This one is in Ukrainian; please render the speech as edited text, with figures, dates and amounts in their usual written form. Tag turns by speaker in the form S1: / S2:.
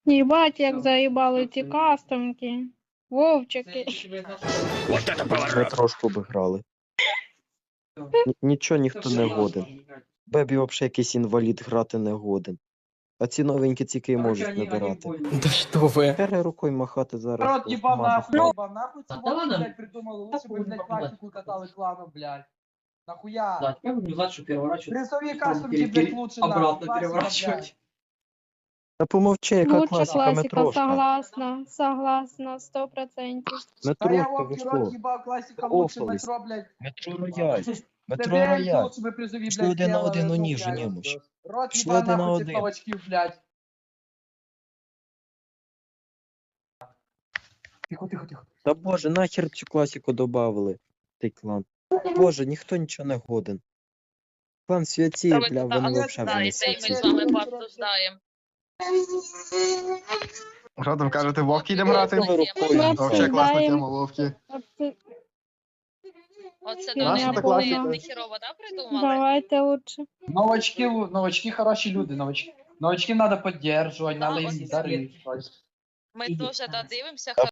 S1: Єбать, як заїбали ці кастомки. Вовчики.
S2: Ми трошку б грали. Нічого ніхто не годен. Бебі взагалі якийсь інвалід грати не годен. А ці новенькі тільки й можуть набирати.
S3: Да что вы?
S2: Пере рукою махати зараз.
S4: Народ, ебал нахуй,
S2: Ну,
S4: ебал нахуй, ці вовки, блядь, придумали. Лучше бы, блядь, классику катали клану, блядь. Нахуя?
S5: Да, теперь будем знать, что переворачивать.
S4: Призовые кастомки, блядь, лучше нахуй.
S5: Обратно
S4: Классика,
S5: переворачивать.
S2: Та помовчи, яка
S1: Лучше
S2: класика,
S1: класика,
S2: метрошка.
S1: согласна. Согласна, 100%.
S4: Да я
S2: Метрошка, ви
S4: вовки, рот,
S2: що?
S4: ебал, классика лучше,
S2: Офались.
S4: метро, блядь.
S2: Метро рояль. Метро
S4: ТВМ
S2: рояль.
S4: лучше бы призови,
S2: Пішли
S4: блядь,
S2: один на
S4: делали,
S2: один,
S4: ну,
S2: ну, ні,
S4: блядь.
S2: женємось.
S4: Рот
S2: Пішли
S4: ебал
S2: один на
S4: нахуй цих
S2: один.
S4: новачків, блядь. Тихо, тихо, тихо.
S2: Та боже, нахер цю класику добавили. Цей клан. Боже, ніхто нічого не годен. Клан святі,
S6: Та ви
S2: бля,
S6: тут
S2: вони
S6: знаєте,
S2: взагалі
S6: і ми
S2: не
S6: з вами пообсуждаємо.
S7: Що там кажете, вовки йдемо грати?
S2: Ви рукою
S1: Ми
S7: Вообще
S2: махали.
S7: класна
S1: Знаємо.
S7: тема, вовки.
S6: Оце
S1: Наша
S6: до них
S7: та класика.
S6: не хірово, да, придумали?
S1: Давайте лучше.
S4: Новачки хороші люди, новачків надо поддерживать, надо
S6: Да,
S4: їм
S6: ось
S4: дарити.
S6: Ми теж додивимося,
S2: А